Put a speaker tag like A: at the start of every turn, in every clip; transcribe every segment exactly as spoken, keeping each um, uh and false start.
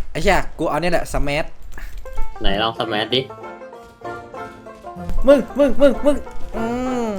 A: ไอ้เหี้ยกูเอาเนี่ยแหละสมัท
B: ไหนลองสมัทดิ
A: มึงมึงมึงมึงอืม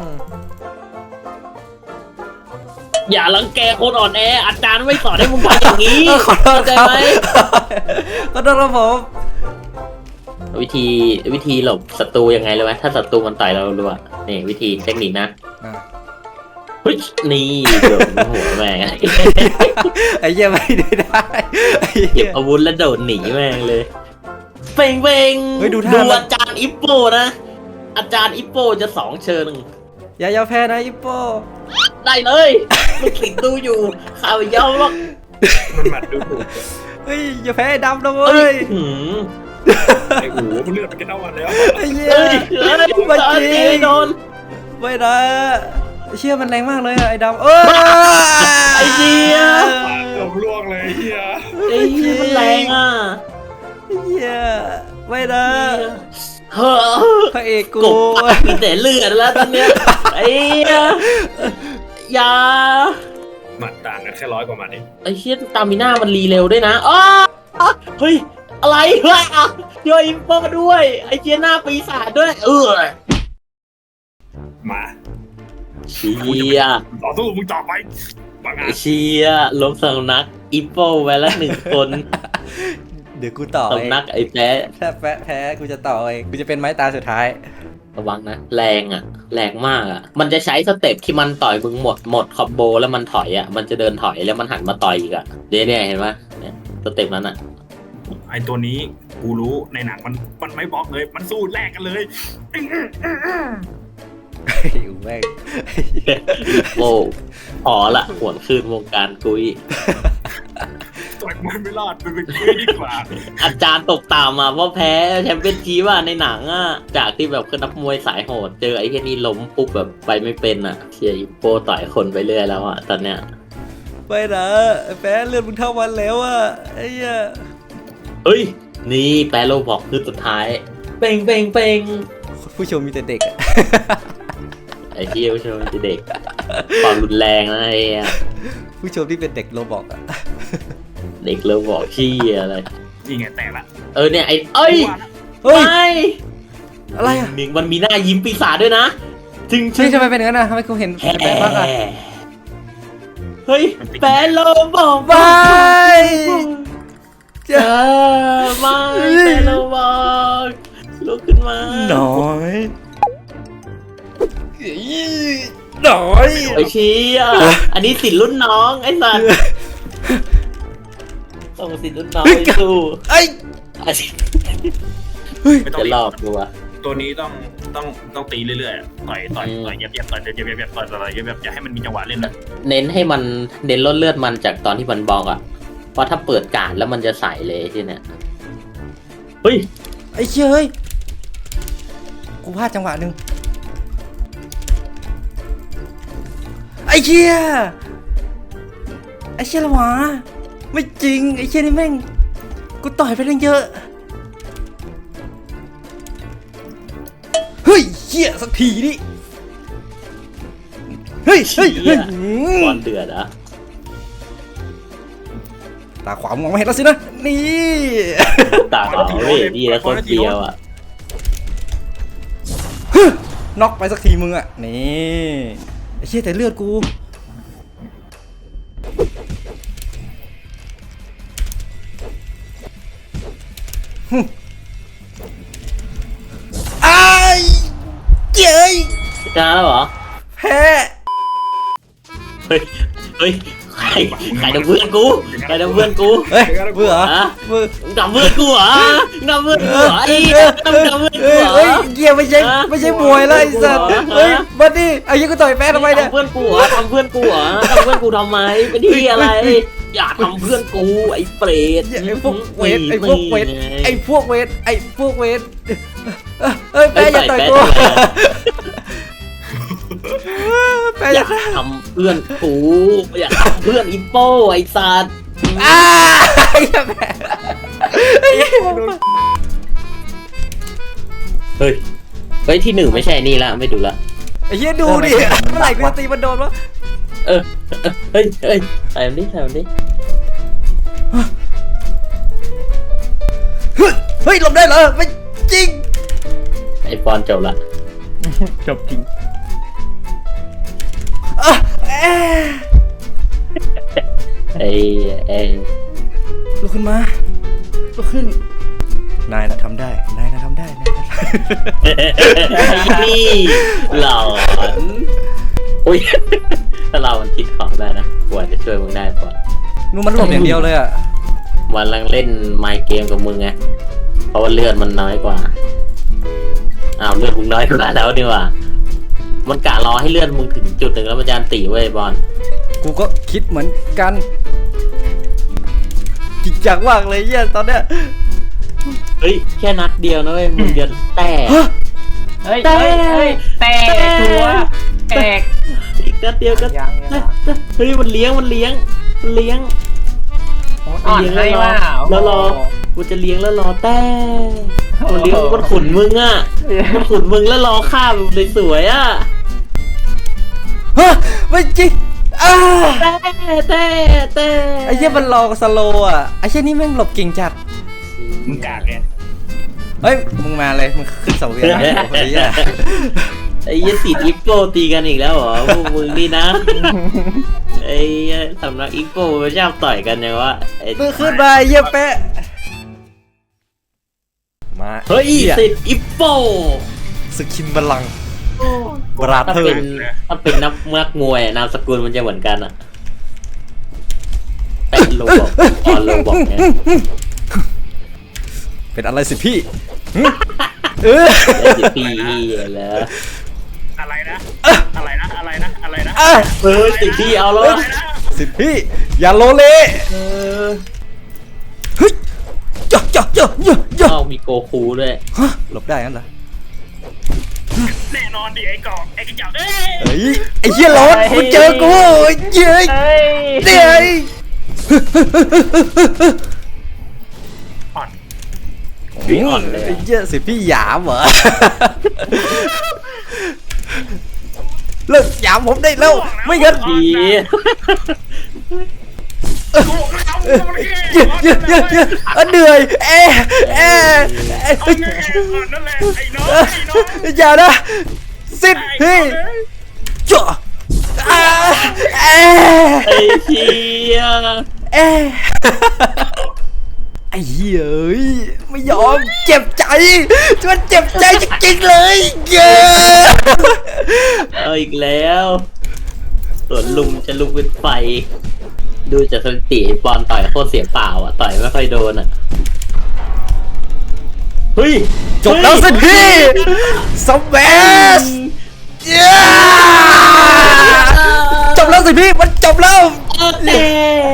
B: อย่ารังแกคนอ่อนแออาจารย์ไม่สอนให้มึงทำอย่างนี้
A: ขอโทษ
B: เข้าใจไหม
A: ขอโทษครับผม
B: วิธีวิธีหลบศัตรูยังไงเลยไหมถ้าศัตรูมันต่อยเรารู้ว่านี่วิธีเทคนิคนะเฮ้ยนี่โดนหัวแม่ง
A: ไอ้เหี้ยไม่ได้
B: เก็บอาวุธแล้วโดดหนีแม่งเลยเป่งเป่งดูอาจารย์อิปโปนะอาจารย์อิปโปจะสองเชิญ
A: อย่ายอมแพ้นะอิปโป
B: ได้เลยลูกศิษย์ดูอยู่ข่าวยาวหรอก
C: มันหมัดดูถูก
A: เฮ้ยอย่าแพ้ดำนะเว้ย
C: ไอ้หูเลือดมันจะเท่ากันแล้ว
A: ไอ้เหี้ยไม่จริงโดนไม่นะเชี่ยมันแรงมากเลยไอ้ดำเออ
B: ไอ้เหี้ย
C: ลงล่วงเลยเหี้ย
B: ไอ้เหี้ยมันแรงอ่ะ
A: เหี้ยไม่นะ
B: เฮ้อ
A: พระเอกกู
B: มีแต่เลือดแล้วตอนเนี้ยไอ้เหี้ยยา
C: หมัดต่างกันแค่ร้อยกว่าหมัดเอง
B: ไอ้เหี้ยตามิน่ามันรีเร็วด้วยนะอ๋อเฮ้ยอะไรเฮ้ยอ่ะโยอิมโปมาด้วยไอ้เหี้ยหน้าปีศาจด้วยเออ
C: มา
B: เชีย
C: ต่อสู้มึงต่อไป
B: เชียล้มสำนักอิปโปไว้ละหนึ่งคน
A: เดี๋ยวกูต่อ
B: สำนักไอ้แพ้
A: ถ้าแพ้แพ้กูจะต่อเองกูจะเป็นไม้ตาสุดท้าย
B: ระวังนะแรงอ่ะแรงมากอ่ะมันจะใช้สเต็ปที่มันต่อยมึงหมดหมดคอมโบแล้วมันถอยอ่ะมันจะเดินถอยแล้วมันหันมาต่อยอีกอ่ะเดี๋ยวเนี่ยเห็นไหมเนี่ยสเต็ปนั้นอ่ะ
C: ไอตัวนี้กูรู้ในหนังมันมันไม่บอกเลยมันสู้แลกกันเลย
A: อยู่แม่ง
B: โอ้พอละหวนคืนวงการกุย
C: ต่อยมันไม่รอดเป็นกุยดีกว่า
B: อาจารย์ตกตามมาเพราะแพ้แชมเปี้ยนชีว่าในหนังอ่ะจากที่แบบคือนักมวยสายโหดเจอไอ้แค่นี้ล้มปุ๊บแบบไปไม่เป็นอ่ะเชียร์อิปโปต่อยคนไปเรื่อยแล้วอ่ะตอนเนี้ย
A: ไปนะแพ้เลือดมึงเท่าวันแล้วอ่ะไอ้เหี้ย
B: เฮ้ยนี่แปโลบอกคือสุดท้ายเป่งเป่งเป่ง
A: ผู้ชมมีแต่เด็ก
B: ไอ้ที่ผู้ชมมีแต่เด็กความรุนแรงนะไอ้
A: ผู้ชมที่เป็นเด็กโรบอกอะ
B: เด็กโรบอกขี้อะไร
C: นี่ไงแต่ละ
B: เออเนี่ยไอ้เอ้ยไม่
A: อะไรอะ
B: มิงมันมีหน้ายิ้มปีศาจด้วยนะ
A: จริงใช่ทำไมเป็นอย่างนั้นนะทำไมกูเห็นแปลกมากอะ
B: เฮ้ยแปลโลบอก
A: ไป
B: เจอไม่แปลโลบอกลุกขึ้นมา
A: หน่อยหน่อย
B: ไอ้เชี่ยอันนี้สิรุ่นน้องไอ้สัตว์ส่งสิรุ่นน้องไปสู้
A: ไอ้
B: จะหลอกตัว
C: ตัวนี้ต้องต้องต้องตีเรื่อยๆต่อยต่อยต่อยเย็บเย็บต่อยเย็บเย็บเย็บต่อยต่อยเย็บเย็บอย่าให้มันมีจังหวะเล่นเลย
B: เน้นให้มันเน้นลดเลือดมันจากตอนที่มันบอกอ่ะเพราะถ้าเปิดการแล้วมันจะใส่เลยที่เนี้ยเฮ้ย
A: ไอ้เชี่ยเฮ้ยกูพลาดจังหวะหนึ่งไอ้เชี่ยไอ้เชี่ยละหวะไม่จริงไอ้เชี่ยนี่แม่งกูต่อยไปเรื่องเยอะเฮ้ยเชี่ยสักทีนี่เฮ้ยเฮ้ย
B: บอลเดือดอะ
A: ตาขวามองไม่เห็นแล้วสินะนี่
B: ตาขวาเว้ยดีแล้วคนเดียวอะ
A: น็อกไปสักทีมึงอะนี่ไอ้เชี่ยแต่เลือดกูไอ้เจ้ย
B: ชนะแล้วเหรอ
A: แพ้
B: เฮ้ยเฮ้ยใครใครทำเพื่อนกูใครทำเพื่อนกู
A: เฮ้ยเบื่อ
B: เบื่อทำเพื่อนกูเหรอทำเพื่อนกูเหรอไอ้ทำทำเพื่อนกูเหรอ
A: เฮ้ยเกี่ยวไม่ใช่ไม่ใช่มวยแล้วไอ้สัตว์เฮ้ยบัดดี้ไอ้ยี่กูต่อยแพ้ทำไมเนี่ย
B: ทำเพื่อนกูเหรอทำเพื่อนกูเหรอทำเพื่อนกูทำไมเป็นที่อะไรอย่าทำเพื่อนกูไอ้เปรต
A: ไอ้พวกเวทไอ้พวกเวทไอ้พวกเวทไอ้พวกเวทเฮ้ยแพ้อย่าต่อยกู
B: อย่าทำเพื่อนกูอย่าทำเพื่อนอิปโปไอ้สัตว์
A: อ้าไอ้แม่
B: เฮ้ยเฮ้ยที่หนึ่งไม่ใช่นี่ละไม่ดูละ
A: ไอ้เหี้ยดูดิเมื่อไหร่กูจะตีมันโดนวะ
B: เออเฮ้ยเฮ้ยใส่มันดิใส่มันดิ
A: ฮ้ยหลบได้เหรอไม่จริง
B: ไอปอนจบละ
D: จบจริง
A: อ่ะเอ๊ะ
B: ไอไอ
A: ลุกขึ้นมาลุกขึ้นนายนะทำได้นายนะทำได้นายนะทำได้
B: นี่หลอนอุ้ยถ้าเรามันคิดของได้นะกว่าจะช่วยมึงได้ปอน
A: นูมันหลบอย่างเดียวเลยอ่ะ
B: วันลังเล่นไมค์เกมกับมึงไงเพราะว่าเลือดมันน้อยกว่าอ้าวเลือดมึงน้อยกว่าแล้วนี่หว่ามันกะรอให้เลือดมึงถึงจุดหนึ่งแล้วมันจะอันตีเว้ยบอล
A: กูก็คิดเหมือนกันจริงจังมากเลยเหี้ยตอนเนี้ย
B: เฮ้ยแค่นัดเดียวนะเว้ยมึงจะแตก
A: ฮะ
D: เฮ้ยเฮ้ยเฮ้ยแตกชัวร์แตก
B: อีกนัดเดียวก็
D: ยังยัง
B: เฮ้ยมันเลี้ยงมันเลี้ยงมันเลี้ยง
D: อ่อนให้ว่า
B: แล้วรอกูจะเลี้ยงแล้วรอแต่มันเลี้ยงมันขุนมึงอ่ะมันขุนมึงแล้วรอฆ่าแบบสวยๆอ่ะ
A: ฮะไม่จริงอ้า
B: แต่แต่แต่
A: ไอ้เหี้ยมันรอสโลว์อ่ะไอ้เหี้ยนี่แม่งหลบเก่งจัด
C: มึงกากไง
A: เฮ้ยมึงมาเลยมึงขึ้นเสาเวียนนะไอ้เหี้ย
B: ไอ้ยี่สิอิปโปตีกันอีกแล้วเหรอพวกมึงนี่นะไอ้สำนักอิปโปชอบต่อยกันยังวะไอ้
A: มึงขึ้นมาไอ้เหี้ยแปะมา
B: เฮ้ย
A: หี้
B: สิทธิ์อิปโป
A: สกินบัลลังก์บรา
B: ถ้า
A: เธอ
B: เป็น
A: ร์
B: ถ้าเป็นนักนักมวยนามสกุลมันจะเหมือนกันอะแต่โลบอกออนโลบอกเนี่ย
A: เป็นอะไรสิพี่หึเออ
B: ไอ้สิพี่แล้ว
C: อะไรนะอะไรนะอะไรนะอะไรนะ
A: อ่ะ
B: เออสิพี่เอาแล้ว
C: อะไรนะ
A: สิพี่อย่าโลเล
B: เออ
A: เฮ้ยเยอะเยอะเยอะเยอะเยอะ
B: เอ้ามีโกคูด้วย
A: ฮะหลบได้งั้นเหรอ
C: แน่นอนดิไอ้กอกไอ้กระจอกเอ้ย
A: เฮ้ยไอ้เหี้ยรถมึงเจอกูเย้ย
D: เฮ้ย
A: เดี๋ยว
C: อ่อน
B: พี่อ่อนเลย
A: ไอ้เหี้ยสิพี่หยามเหรอเลิกหยามผมได้แล้วไม่งั้น
B: ดี
C: กูบอกแล้วมันแค่
A: เยอะเยอะเยอะเยอะเออเหนื่อยเอะเอะเอะ
C: เอาแค่อ่อนนั่นแหละไอ้น้องไอ้น้อง
A: อย่านะสิพี่จ่ออ่าเอะ
B: ไอ้เชี่ย
A: เอะไอ้เหี้ยเอ้ยไม่ยอมเจ็บใจมันเจ็บใจจริงๆเลยเย้
B: เอาอีกแล้วส่วนลุงจะลุกเป็นไฟ ดูจากสถิติบอลต่อยโคตรเสียเปล่าอ่ะต่อยไม่ค่อยโดนอ่ะเฮ้ย
A: จบแล้วสิพี่สเปซเย้จบแล้วสิพี่มันจบแล้ว
B: เต้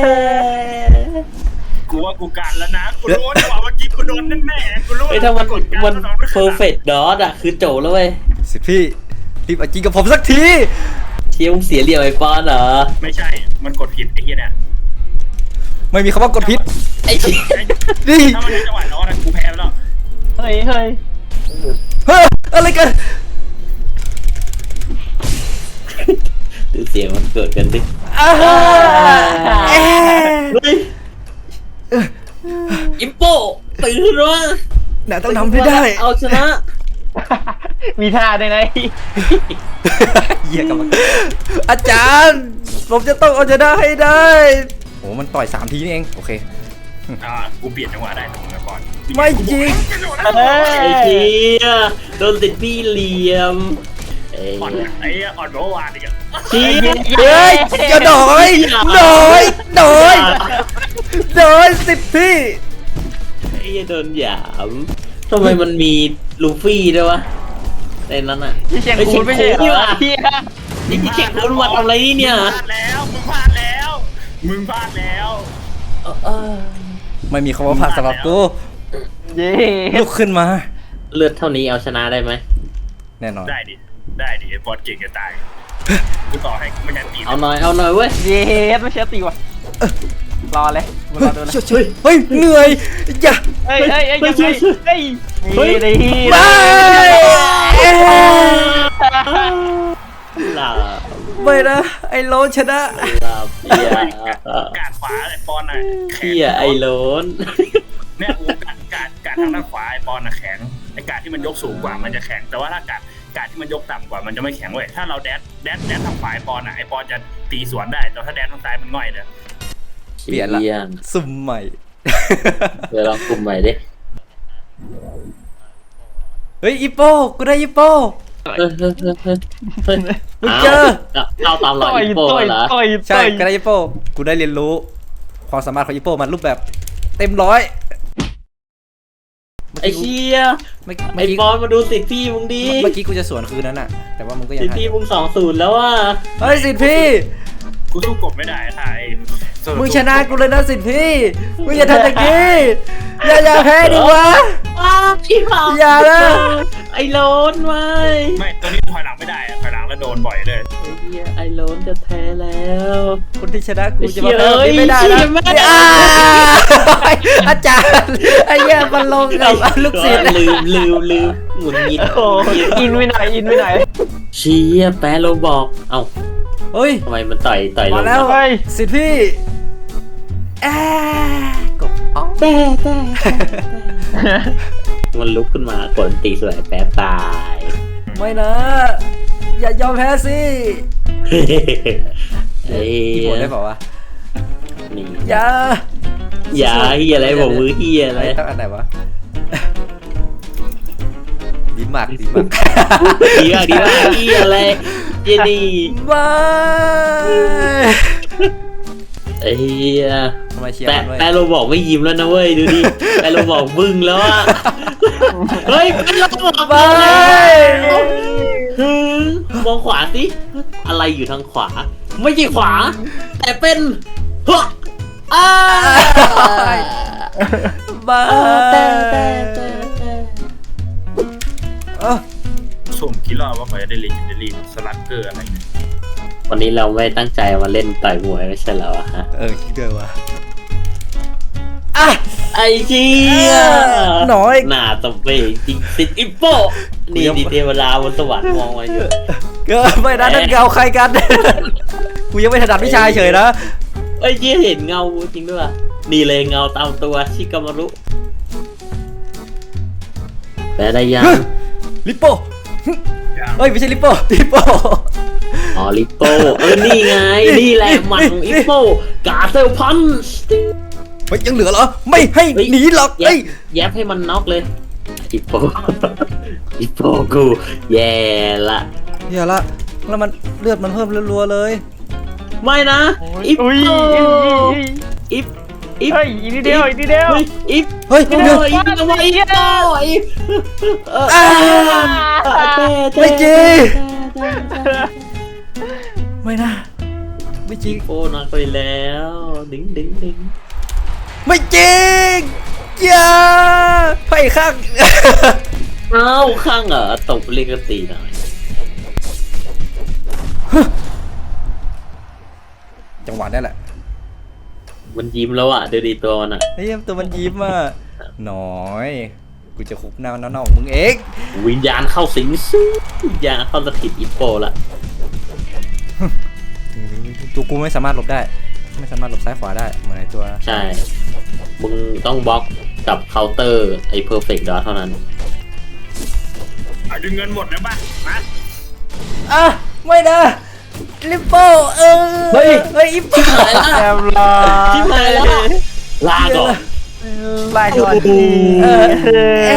C: กูว่ากูกันแล้วนะกูรู้ว่าเมื่อกี้กูโดนแน่ๆกูรู้
B: ไอ้ยถ้ามันมันเพอร์เฟกต์ดอทอ่ะคือโจแล้วเว้ย
A: สิพี่รีบเอาจริงกับผมสักที
B: เชียวเสียเหลี่ยมไอ้ปอนเหรอ
C: ไม่ใช่มันกดผิดไอ้เหี้ยเนี่ย
A: ไม่มีคำว่ากดพิษ
B: ไอ้เชี่ย
A: นี่
C: ถ้ามันในจังหวะน้องนะกูแพ้ไปแล้ว
D: เฮ้ยเฮ้ย
A: เฮ้ยอะไรกัน
B: ดูเสียงมันเกิดกันดิ
A: อ้าเอ๊ะ
B: เฮ้ยอิมโปตื่นวะ
A: น่าต้องทำให้ได้
B: เอาชนะ
D: มีท่าด้วยนะ
A: เหี้ยกับมันอาจารย์ผมจะต้องเอาชนะให้ได้โอ้มันต่อยสามทีนี่เองโอเค
C: อ่ากูเปลี่ยนจังหวะได้ตรงนี้ก่อน
A: ไม่จริง
D: เฮ้ย
B: ไอ้เชี่ยโดนติดพี่เหลี่ยมไอ้
C: อ่อนไอ้อ่อนโบวานอีกอ่ะ
B: เชี่ย
A: เฮ้ยอย่าหน่อยหน่อยหน่อยหน่อยสิพี่
B: ไอ้โดนหยามทำไมมันมีลูฟี่ด้วยวะในนั้นอ่ะ
D: ที่เชียงคูนไม่ใช่เหรอเฮีย
B: ไอ้ที่เช็คคุณมาทำอะไรนี่เนี่ย
C: มึงพลาดแล้วมึงพลาดแล้วมึงพลาดแล้ว
A: ไม่มีคำว่าผ่านสำหรับกู
D: เย้
A: ลุกขึ้นมา
B: เลือดเท่านี้เอาชนะได้ไหม
A: แน่นอน
C: ได้ดิได้ดิไอ้บอลเก่งจะตายกูต่อให้กูไม่ยันตี
B: เอาหน่อยเอาหน่อยเว้ย
D: เย้ไม่เชื่อตีว่ะรอเลยมึงรอดูนะ
A: ช่วยช่วยเฮ้ยเหนื่อยอย่า
D: เฮ้ยเฮ้ยเฮ้ยยังไงเฮ้ยนี่ดิ
A: ไปเอ๊ะ
B: หลับ
A: ไม่นะไอ้โลนชนะ
B: หลับเพีย
C: กาดขวาไอ้บอลน่ะ
B: เพียไอโลน
C: เนี่ยกูกาดกาดกาดทางด้านขวาไอปอนน่ะแข็งไอกาดที่มันยกสูงกว่ามันจะแข็งแต่ว่าถ้ากาดกาดที่มันยกต่ำกว่ามันจะไม่แข็งเว้ยถ้าเราแดดแดดแดดทางขวาไอปอนอ่ะไอปอนจะตีสวนได้แต่ถ้าแดดทางซ้ายมันง่อยเลย
A: เปลี่ยนละ
B: ชี่
A: สุ่มใหม่
B: เดี๋ยวลองกลุ่มใหม่ดิ
A: เฮ้ยอีโปกูได้อีโป
B: เฮ้ยเฮ้ยเฮ้ยเฮ้ยเฮ้ย
A: มึงเจอ
B: เข้าตามรอย
D: ต่อย
B: อีโป้
D: ต่อย
B: เหรอ
D: ต่อย
A: ใช่
D: ต่อย
A: ก็ได้อีโปกูได้เรียนรู้ความสามารถของอีโปมันรูปแบบเต็มร้อย
B: ไอ้เชี่ย
A: เมื่อ
B: ไอ้
A: กี้
B: บอลมาดูสิทธิ์พี่มึงดี
A: เมื่อกี้กูจะสวนคืนนั้นอะแต่ว่ามึงก็ยัง
B: สิทธิ์
A: ทัน
B: พี่มึงสองศูนย์แล้วอ่ะ
A: เฮ้ยสิทธิ์พี่
C: กูสู้กบไม่ได้ค่ะไอ้
A: มึงชนะกูเลยนะสิทธิ์พี่มึงอย่าทำอย่างนี้อย่าอย่าแพ้ดิวะ
B: อ้าวพี่เผา
A: อย่านะ
B: ไอ้โลนไว้
C: ไม่ตัวนี้ถอยหลังไม่ได้อะถอยหลังแล้วโดนบ่อยเลย
B: ไอ้เหี้ยไอ้โลนจะแพ้แล้ว
A: คนที่ชนะกู
B: ไอ้
A: จะ
B: เชี่
A: มาย แพ้แบบนี้ไม่ได้
B: เอ้
A: นะ
B: ยเชี่ยแม่
A: อ่าอาจารย์ไอ้เหี้ยมันลงกับลูกศิษย์
B: ลืมลืมลืมหงุดหงิด
D: โอ้อินไปไหนอินไปไหน
B: เชี่ยแพ้โลบอกเอ้า
A: เฮ้ย
B: ทำไมมันต่อยต่อยล
A: มาง แล้ว
D: เฮ้ย
A: สิทธิ์พี่แอะกบอ๋อ
B: แต่แต่มันลุกขึ้นมากดตีสวยแป๊บตาย
A: ไม่นะ อย่ายอมแพ้สิ
B: เฮ้ย
A: พี่บดได้เปล่าวะ
B: นี่
A: อย่า
B: อย่าเฮียอะไรบอกมือเฮียอะไร
A: ไอ้ตั้งอันไหนวะดีมากดีมาก
B: ดีมากดีมากเฮียอะไรเจนี่
A: บาย
B: ไอ้เฮีย
A: ทำไมเชียร์
B: แต่
A: มันด้วย
B: แต่เราบอกไม่ยิ้มแล้วนะเว้ยดูดิแต่เราบอกบึ้งแล้วอะเฮ้ยเป็นเราบอก
A: บาย
B: ฮึมองขวาสิอะไรอยู่ทางขวา ไม่ใช่ขวา แต่เป็นฮะอ้า
A: บายเอ้า
C: สุ่มคิดรอบว่าเขาจะได้เลนเดอรี่สลักเกอร์อะไรเนี่ย
B: วันนี้เราไม่ตั้งใจมาเล่นต่อยมวยไม่ใช่เหรอวะฮะ
A: เออคิดด้วยวะอ่ะ
B: ไอ้เจี๊ย
A: หน่อย
B: หน้าตบเปจริงสิอิปโปนี่ดีเทวดาบนสวรรค์มองมาอยู่
A: เกินไปนะนั่นเงาใครกัน กูยังไม่ถนัดวิชาเฉยนะ
B: ไอ้เจี๊ยเห็นเงาจริงด้วยนี่เลยเงาตามตัวชิกามารุแต่ได้ยัง
A: ลิปโป้เฮ้ยไม่ใช่ลิปโป้ลิปโป้
B: อ๋อลิปโปเออนี่ไงนี่แหละหมัดของอิปโปกาเซลพันช์
A: เฮ้ยยังเหลือเหรอไม่ให้หนีหรอก
B: แย
A: เฮ้
B: บ
A: ย
B: แยบให้มันน็อกเลยอิปโปอิปโปกูแย่ละ
A: เดี๋ยวละแล้วมันเลือดมันเพิ่มรัวๆเลย
B: ไม่นะอิป
D: อุ้ย
B: โป
D: อุ้ย
B: อิปอิป
D: เฮ้ยอีกนิดเดียวอีกนิดเดียว
B: เฮ้ยอิป
A: เฮ้ย
B: อิป
A: เดี๋ยว
B: อิปทำไมอิปโปอิปเออ
A: อ่า
B: เต้เต้
A: ไม่จริง
B: เต้เต้
A: ไม่นะไม่จริง
B: โอ้นักไปแล้วดึงดึงดึง
A: ไม่จริงอย่าไปข้าง
B: เอ้าข้างเหรอตบเรียกกันตีหน่อย
A: จังหวะนี้แหละ
B: มันยิ้มแล้วอ่ะดูดีตัวมันอ่ะ
A: ไอ้เหี้ยตัวมันยิ้มอ่ะหน้อยกูจะคุบหน้าน้องๆมึงเอง
B: วิญญาณเข้าสิงซิวิญญาณเข้าสถิตอิปโปละ
A: ตัวกูไม่สามารถหลบได้ ไม่สามารถหลบซ้ายขวาได้เหมือนไอ้ตัว
B: ใช่ มึงต้องบล็อกกับเคาน์เตอร์ไอ้เพอร์เฟกต์ดอทเท่านั้น
C: เอาดึงเงินหมดนะป่ะมา
A: อ่ะไม่นะลิปโป้เออเฮ้ยเฮ้ยอีปโป้
B: หายละ
D: แอมลา
B: ชิบหายแล้วลาก่อน
D: ลายก่อนดี
A: เออเอ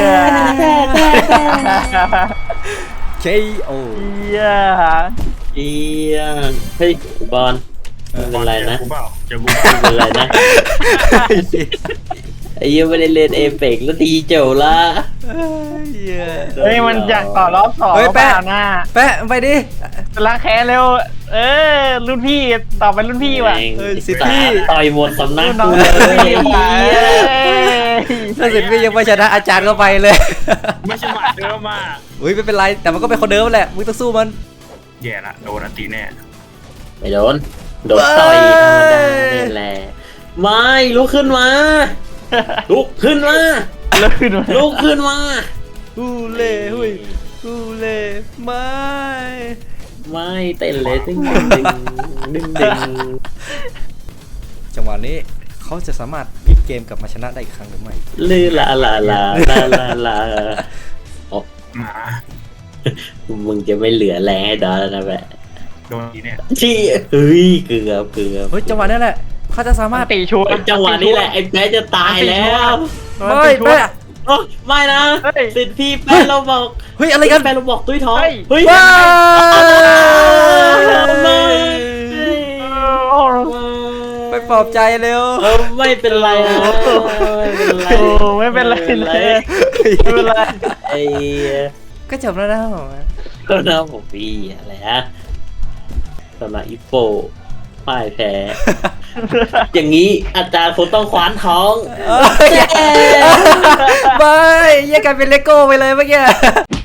A: อ เคโอ
D: เหี้ย
B: เอียงเฮ้ยบอลไม่เป็นไรนะ
C: เจอกูเปล่าเจอกู
B: ไม่เป็นไรนะไอ้เหี้ยังไม่ได้เล่นเอเปกแล้วตีเจ๋วละ
D: เฮ้ยมันอยากต่อรอบสอง
A: เฮ้ย
D: เป
A: แปะ
D: ล่าหน้า
A: แปะไปดิ
D: ล้างแค้นเร็ว เออรุ่นพี่ต่อเป็นรุ่นพี่ว่ะ
B: แม่ง
A: เออสิทธิ์พี่
B: ต่อยหมดสำนัก
D: รุ่นน้
B: กู
D: อง
B: เล
D: รุ่น
B: ย
D: พี่
B: ไอ้เหี้ย
A: ถ้าสิทธิ์พี่ยังไม่ชนะอาจารย์ก็ไปเลย
C: ไม่ใช่หมาเดิมมา
A: อุ้ยไม่เป็นไรแต่มันก็เป็นคนเดิมแหละมึงต้องสู้มัน
C: แย่ละโดนอันตีแน่
B: ไม่โดนโดนต่อยธรรมดานี่แหละไม่ลุกขึ้นมาลุกขึ้นมา
D: เลิกขึ้นมา
B: ลุกขึ้นมา
A: ฮูเล่หุยฮูเล่ไม่
B: ไม่เต้นเลยดึงดึงดึงดึง
A: จังหวะนี้ขเขาจะสามารถพลิกเกมกลับมาชนะได้อีกครั้งหรือไม่
B: ลือลาลาลาลาลาลาโอ้
C: หมา
B: มึงจะไม่เหลือแรงให้ดอแล้วนะแบบ
C: โดนทีเนี่ย
B: ชี้เฮ้ยเกือบเกือบ
A: เฮ้ยจังหวะนี้แหละเขาจะสามารถ
D: ตีชัวร์
B: จังหวะนี้แหละไอ้แป๊ะจะตายแล้ว
A: เฮ้ยแป๊ะ
B: โอ้ไม่นะสิทธิ์พี่แป๊ะเราบอก
A: เฮ้ยอะไรกัน
B: แป๊ะเราบอกตุ้ยท้องเฮ้ย
A: ว้า
B: ไม่
A: ไปปลอบใจเร็ว
B: เออไม่เป็นไรนะไม่เป็นไร
D: โอ้ไม่เป็นไรเลยไม่เป็นไร
B: ไอ้
A: ก็จบแล้วนะผม
B: ก็น้าผมพี่อะไรฮะสำหรับอีโฟพ่ายแพ้ อย่างนี้อาจารย์คงต้องคว้านท้อง
A: เอ้ยไม่แยกกันเป็นเลโก้ไปเลยเมื่อกี้